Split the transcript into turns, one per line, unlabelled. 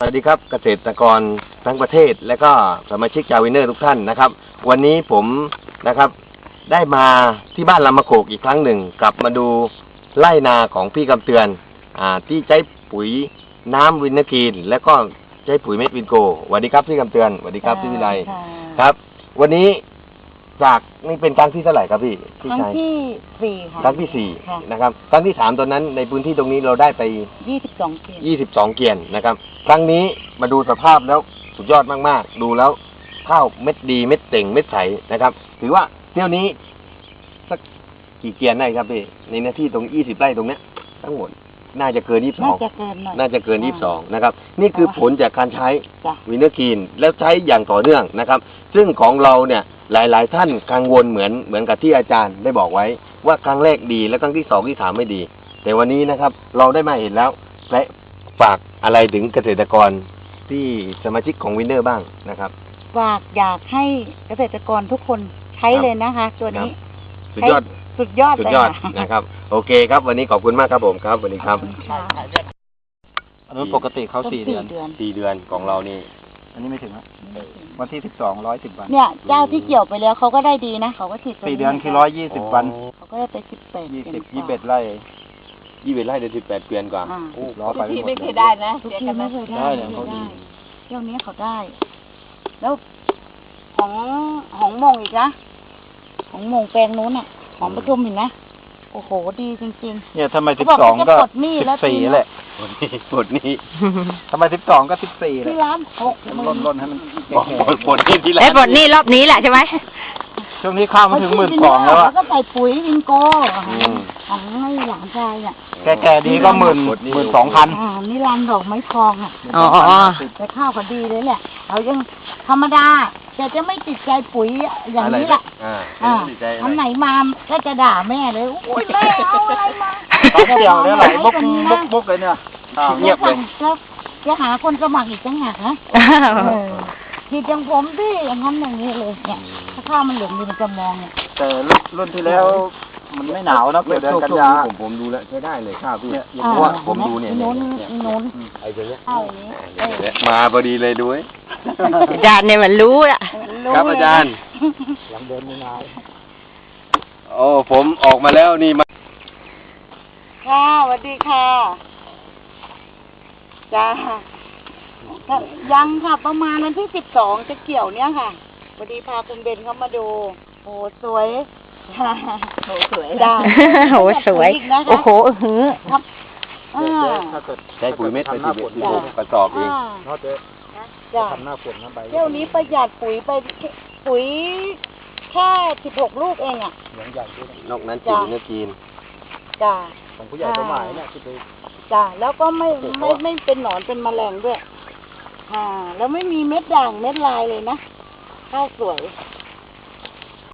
สวัสดีครับเกษตรกรทั้งประเทศและก็สมาชิกชาววินเนอร์ทุกท่านนะครับวันนี้ผมนะครับได้มาที่บ้านลำมะโขกอีกครั้งหนึ่งกลับมาดูไร่นาของพี่กำเตือนที่ใช้ปุ๋ยน้ำวินเนอร์กรีนและก็ใช้ปุ๋ยเม็ดวินโกสวัสดีครับพี่กำเตือนสวัสดีครับพี่วิไลครับวันนี้จากนี่เป็นครั้งที่เท่าไหร่ครับพี่
ครั้งที่4ค่ะ
ครั้งที่4นะครับครั้งที่3ตอนนั้นในพื้นที่ตรงนี้เราได้ไป
22 เกวียน
22 เกวียนนะครับครั้งนี้มาดูสภาพแล้วสุดยอดมากๆดูแล้วข้าวเม็ดดีเม็ดเต่งเม็ดใสนะครับถือว่าเที่ยวนี้สักกี่เกวียนได้ครับพี่ในหน้าที่ตรง20 ไร่ตรงเนี้ยทั้งหมดน่าจะเกิน22น่าจะเกิน22นะครับนี่คือผลจากการใช้วินเนอร์กรีนแล้วใช้อย่างต่อเนื่องนะครับซึ่งของเราเนี่ยหลายๆท่านกังวลเหมือนกับที่อาจารย์ได้บอกไว้ว่าครั้งแรกดีและครั้งที่2ที่3ไม่ดีแต่วันนี้นะครับเราได้มาเห็นแล้วและฝากอะไรถึงเกษตรกรที่สมาชิกของวินเนอร์บ้างนะครับ
ฝากอยากให้เกษตรกรทุกคนใช้เลยนะคะตัวนี้
สุดยอดนะครับโอเคครับวันนี้ขอบคุณมากครับผมครับวันนี้ครับ
อันนั้นปกติเขา4 เดือน
4 เดือนของเรานี่
อันนี้ไม่ถึงแล้ววันที่12 110 วัน
เนี่ยเจ้าที่เกี่ยวไปแล้วเขาก็ได้ดีนะเขาก็ฉีด
4 เดือนคือ120 วัน
เขาก็ได้ไป
21 ไร่
21 ไร่เดือน18 เกวียนกว่า
ล้อไปไม่เคยได้นะทุกที่ไม่เคยได้เที่ยวนี้เขาได้แล้วของมงอีกนะของมงแปลงนู้นอ่ะของประทุมเห็นไหมโอ้โหดีจริง
ๆเนี่ยทำไม12ก็14แหละ
ปลดนี้
ทำไม12ก็14แหละ
ที่ร้าน
ล้นให้มัน
ปลดนี้ที่ร้าน
ปลดนี้รอบนี้แหละใช่ไหม
ช่วงนี้ข้าวมาถึง12,000แล้ว
แล้วก็ใส่ปุ๋ยวิงโก้ของให้หลานชายอ่ะ
แก่ดีก็12,000
นี่รันดอกไม้ทองอ่ะแต่ข้าวก็ดีเลยแหละเขายังธรรมดาจะไม่ติดใจปุ๋ยอย่างนี้แหละอันไหนมาก็จะด่าแม่เลยอุ้ยแม่เอาอะไรมา
เดี๋ยวเนี่ยไหลบกเลยเนี่ย
เงียบเลย
จะหาคนสมัครอีกจังหากนะที่จังผมที่อย่างนั้นอย่างนี้เลยเนี่ยถ้าข้าวมันเหลืองดีมันจะมองเนี่ย
แต่รุ่นที่แล้วมันไม่หนาวนะเดือนกันยา
ผมดูแล้วใช้ได้เลยข้าวพี่เพราะว่าผมดูเนี่ย
โน้น
ไอ้ตัวเนี้ยมาพอดีเลยด้วย
อาจารย์เนี่ยมันรู้ละ
ครับอาจารย์
หลังเดินไม่นาน
โอ้ผมออกมาแล้วนี่มา
ค่ะสวัสดีค่ะจ้ายังค่ะประมาณวันที่12จะเกี่ยวเนี่ยค่ะพอดีพาคุณเบนเข้ามาดูโอ้สวยโอ้สวยจ้า
โอ้สวยโอ้โห
ครับ
ใช้ปุ๋ยเม็ดไป16 กระสอบเอง
จ้า
ทำหน้าฝนนะใบ
เที่ยวนี้ประหยัดปุ๋ยไปปุ๋ยแค่16 ลูกเองอ่ะ
นอกนั้นปุ๋ยเนื้อกิน
จ้า
ของผู้ใหญ่ตัวหมายเนี่ยที่ไป
จ้าแล้วก็ไม่เป็นหนอนเป็นแมลงด้วยแล้วไม่มีเม็ดด่างเม็ดลายเลยนะข้าวสวย